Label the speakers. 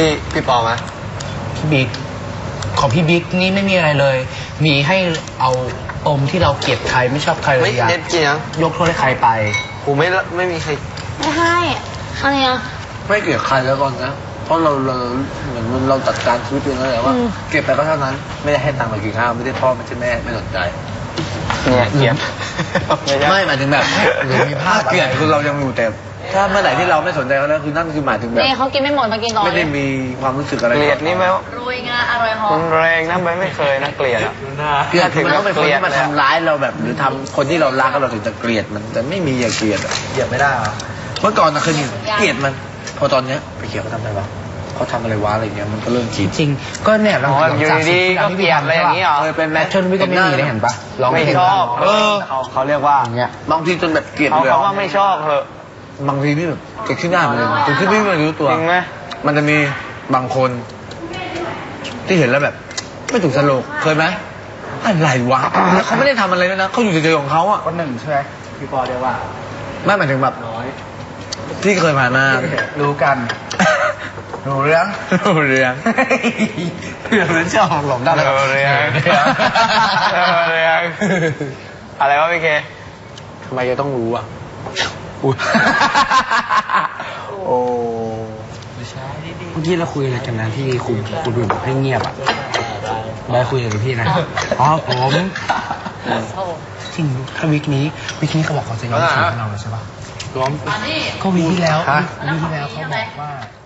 Speaker 1: พี่ปอไหม
Speaker 2: พี่บิ๊กของพี่บิ๊กนี่ไม่มีอะไรเลย มีให้เอาปมที่เราเกลียดใครไม่ชอบใครเลยอยาก
Speaker 1: เด็ดจริงนะ
Speaker 2: ยกโทษให้ใครไป
Speaker 1: กูไม่มีใคร
Speaker 3: ไม่ให้อะไรอ่ะ
Speaker 4: ไม่เกลียดใครแล้วก่อนนะเพราะเราเหมือนเราจัดการชีวิตตัวเองแล้วแหละว่าเก็บไปก็เท่านั้นไม่ได้ให้ตังค์ไปกินข้าวไม่ได้พ่อไม่ใช่แม่ไม่สนใจ
Speaker 1: เนี่ยเกลียด
Speaker 4: ไม่หมายถึงแบบหรือมีภาพเกลียดคือเรายังอยู่แต่ถ้าเมื่อไหร่ที่เราไม่สนใจเขาแล้วคือนั่นคือหมายถึงแบบ
Speaker 3: นี่เขากินไม่หมดมากินต่อ
Speaker 4: ไม่ได้มีความรู้สึกอะไร
Speaker 1: เกลียดนี่ไหม
Speaker 3: รวยงาอร่อยหอ
Speaker 1: มั
Speaker 3: ม
Speaker 1: นแรงนะไม่เคยนะเกลียดอะ
Speaker 4: เกลียดถึงต้องเป็นคนที่มาทำร้ายเราแบบหรือทำคนที่เรารักเราถึงจะเกลียดมันแต่ไม่มีอย่าเกลียดอะ
Speaker 2: เหยียบไม่ได้หรอ
Speaker 4: เมื่อก่อนนะเคยมีเกลียดมัน พอตอนเนี้ยไปเกลียดเขาทำอะไรวะเขาทำอะไรวะอะไรเงี้ยมันก็เริ่มคิด
Speaker 2: จริงๆก็เนี่ยเรา
Speaker 1: อยู่ดีๆก็เกลียดอะไรอย่างนี้เหรอ
Speaker 4: เคยเป็นแม
Speaker 2: แม
Speaker 4: ท
Speaker 2: ทชนวิก็ไม่มีเลยเห็นปะลอง
Speaker 1: ไม่
Speaker 2: เพลง
Speaker 1: ชอบ
Speaker 4: เขาเรียกว่า
Speaker 2: อย่างเงี้ย
Speaker 4: บางทีจนแบบเกลียด
Speaker 1: เขา
Speaker 4: เลย
Speaker 1: ว่าไม่ชอบเหอะ
Speaker 4: บางทีนี่แบบเกิดขึ้นหน้ามันเลยเกิดขึ้นไม่รู้ตัว
Speaker 1: จริงไหม
Speaker 4: มันจะมีบางคน ที่เห็นแล้วแบบ ไม่ถูกสโลกเคยไหมอะไรวะแล้วเขาไม่ได้ทำอะไรเลยนะเขาอยู่เฉยๆของเขาอ่ะ
Speaker 2: คนหนึ่งใช่ไหมพี่ปอเรียกว่า
Speaker 4: ไม่หมายถึงแบบที่เคยผ่านมา
Speaker 2: รู้กันรู้เรื่อง
Speaker 4: เรื่อง
Speaker 2: เรื่องชอบหลงได้
Speaker 1: เรียงอะไรวะพี่เค
Speaker 4: ทำไมจะต้องรู้อ่ะ
Speaker 2: โอ้เมื่อกี้เราคุยอะไรกันนะที่คุณดูบอกให้เงียบอ่ะได้คุยกับพี่นะอ๋อผมจริงถ้าวิกนี้เขาบอกเขาจะยอมฉีดให้เราเลยใช่ปะ
Speaker 4: ร้อม
Speaker 2: ก็วีคที่แล้ววีคที่แล้วเขาบอกว่า